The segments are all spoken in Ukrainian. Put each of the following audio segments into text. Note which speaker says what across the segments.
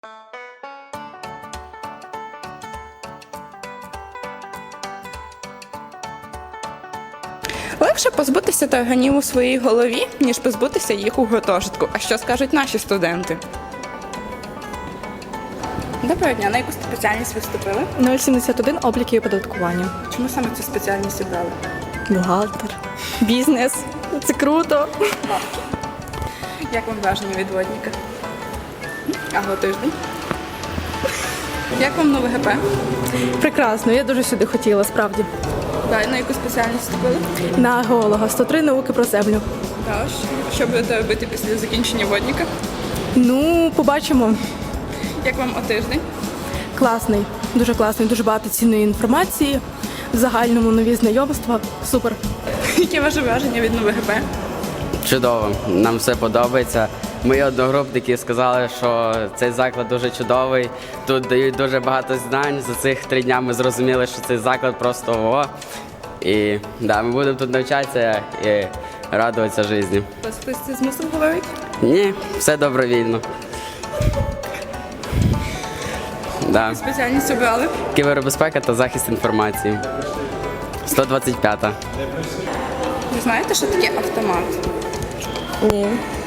Speaker 1: Легше позбутися тарганів у своїй голові, ніж позбутися їх у гуртожитку. А що скажуть наші студенти? Доброго дня, на яку спеціальність ви вступили?
Speaker 2: 071 обліки і оподаткування.
Speaker 1: Чому саме цю спеціальність обрали?
Speaker 2: Бухгалтер. Бізнес. Це круто.
Speaker 1: Як вам враження від водника? Ага, тиждень. Як вам нове ГП?
Speaker 2: Прекрасно, я дуже сюди хотіла, справді.
Speaker 1: Так, на яку спеціальність вступили?
Speaker 2: На геолога. 103 науки про землю.
Speaker 1: Так, що будете робити після закінчення водника?
Speaker 2: Ну, побачимо.
Speaker 1: Як вам тиждень?
Speaker 2: Класний, дуже багато цінної інформації. В загальному нові знайомства. Супер.
Speaker 1: Яке ваше враження від нове ГП?
Speaker 3: Чудово, нам все подобається. Мої одногрупники сказали, що цей заклад дуже чудовий. Тут дають дуже багато знань. За цих 3 дня ми зрозуміли, що цей заклад просто ого. І да, ми будемо тут навчатися і радуватися житті.
Speaker 1: Вас хтось це змусив говорити?
Speaker 3: Ні, все добровільно. Да.
Speaker 1: Спеціальність обрали?
Speaker 3: Кібербезпека та захист інформації. 125-та.
Speaker 1: Ви знаєте, що таке автомат?
Speaker 4: Ні.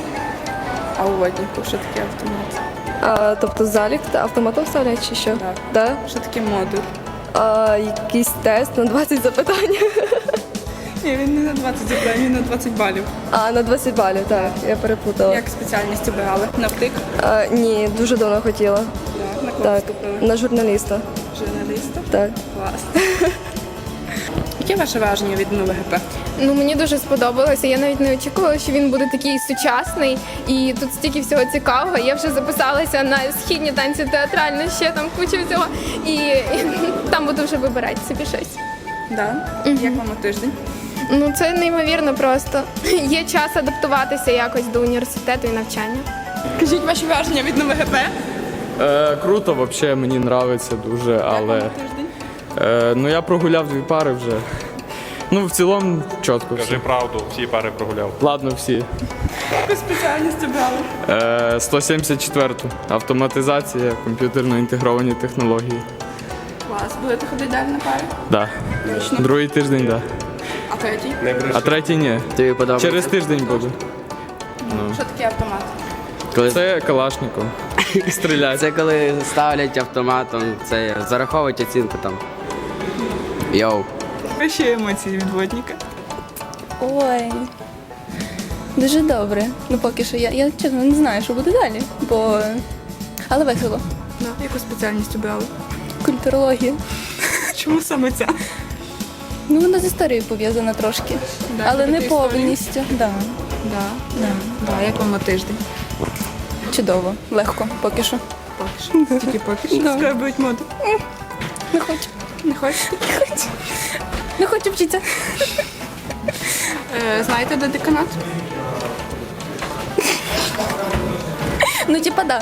Speaker 1: А у воднику що таке автомат?
Speaker 4: Тобто залік та автоматом вставлять чи що?
Speaker 1: Так.
Speaker 4: Да?
Speaker 1: Що таке модуль?
Speaker 4: Якийсь тест на 20 запитань.
Speaker 1: Ні, він не на 20 запитань, він на 20 балів.
Speaker 4: На 20 балів, так, я перепутала.
Speaker 1: Як спеціальність обирали? Навтик?
Speaker 4: Ні, дуже давно хотіла.
Speaker 1: Так. На кого
Speaker 4: Так,
Speaker 1: вступили?
Speaker 4: на журналіста.
Speaker 1: Журналіста?
Speaker 4: Так.
Speaker 1: Клас. Яке ваше враження від нового ГП?
Speaker 5: Ну, мені дуже сподобалося. Я навіть не очікувала, що він буде такий сучасний. І тут стільки всього цікавого. Я вже записалася на східні танці театральні, ще там куча всього. І там буду вже вибирати собі щось.
Speaker 1: Да. Як вам тиждень?
Speaker 5: Ну, це неймовірно просто. Є час адаптуватися якось до університету і навчання.
Speaker 1: Кажіть ваші враження від нового ГП?
Speaker 6: Круто, взагалі мені подобається дуже, але ну я прогуляв 2 пари вже. Ну, в цілому чітко все.
Speaker 7: Кажи правду, всі пари прогуляв.
Speaker 6: Ладно, всі.
Speaker 1: Яку спеціальність обрали?
Speaker 6: 174-ту. Автоматизація, комп'ютерно інтегровані технології.
Speaker 1: Клас. Будете ходити далі на парі?
Speaker 6: Да. Другий тиждень, да.
Speaker 1: А третій?
Speaker 6: А третій ні.
Speaker 3: Тобі подобається?
Speaker 6: Через тиждень буду.
Speaker 1: Що таке автомат?
Speaker 3: Коли...
Speaker 6: Це Калашников. Стріляти.
Speaker 3: Це коли ставлять автоматом, це зараховують оцінку там. Йоу.
Speaker 1: Які емоції від водника?
Speaker 8: Ой, дуже добре. Ну поки що я чесно не знаю, що буде далі, бо але весело.
Speaker 1: Да. Яку спеціальність обрали?
Speaker 8: Культурологія.
Speaker 1: Чому саме ця?
Speaker 8: Ну вона з історією пов'язана трошки,
Speaker 1: Да,
Speaker 8: але не
Speaker 1: любите історію?
Speaker 8: повністю. Да.
Speaker 1: Да. Як вам тиждень?
Speaker 8: Чудово, легко, поки що.
Speaker 1: Тільки поки що. Скарбують моду.
Speaker 8: Не хочу.
Speaker 1: Не хочете?
Speaker 8: Не хочу вчитися.
Speaker 1: Знаєте, де деканат?
Speaker 8: Ну, типа, да.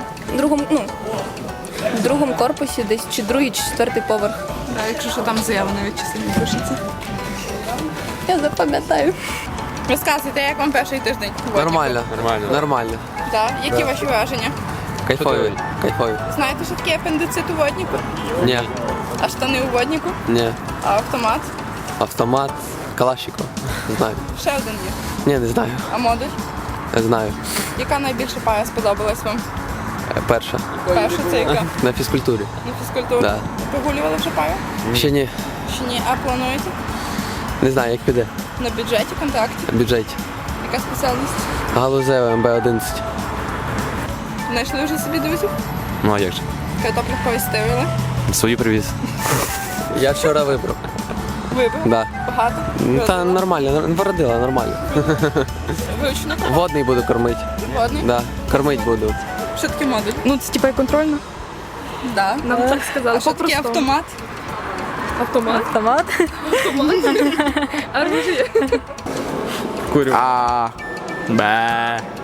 Speaker 8: В другому корпусі десь чи другий, чи 4-й поверх.
Speaker 1: Да, якщо що там заява навіть часом пишеться.
Speaker 8: Я запам'ятаю.
Speaker 1: Розказуйте, як вам перший тиждень?
Speaker 9: Нормально. Нормально.
Speaker 1: Да. Які ваші враження?
Speaker 9: Кайфові.
Speaker 1: Знаєте, що таке апендицит у воднику?
Speaker 9: Ні.
Speaker 1: А штани у воднику?
Speaker 9: Ні.
Speaker 1: А автомат?
Speaker 9: Автомат. Калашников. Знаю.
Speaker 1: Ще один є.
Speaker 9: Ні, не знаю.
Speaker 1: А модуль?
Speaker 9: Знаю.
Speaker 1: Яка найбільше пара сподобалась вам?
Speaker 9: Перша.
Speaker 1: Перша це яка?
Speaker 9: На фізкультурі.
Speaker 1: На фізкультуру?
Speaker 9: Да.
Speaker 1: Прогулювали вже пару?
Speaker 9: Ще ні.
Speaker 1: Чи ні? А плануєте?
Speaker 9: Не знаю, як піде.
Speaker 1: На бюджеті контракті?
Speaker 9: Бюджеті.
Speaker 1: Яка спеціальність?
Speaker 9: Галузева МБ-11.
Speaker 1: Знайшли вже собі друзів?
Speaker 9: Ну а як же?
Speaker 1: Картоплю повістирили?
Speaker 9: Свої привіз. Я вчора вибрав.
Speaker 1: Вибрав?
Speaker 9: Да.
Speaker 1: Багато?
Speaker 9: Та нормально, породила, нормально.
Speaker 1: Вручну?
Speaker 9: Водний буду кормити.
Speaker 1: Водний?
Speaker 9: Да. Кормить буду.
Speaker 1: Що таке модуль?
Speaker 2: Ну, це типа і контрольно.
Speaker 1: Да.
Speaker 2: Нам так сказали,
Speaker 1: А що таке автомат?
Speaker 2: Автомат.
Speaker 6: Курю.
Speaker 3: А.
Speaker 6: Бе.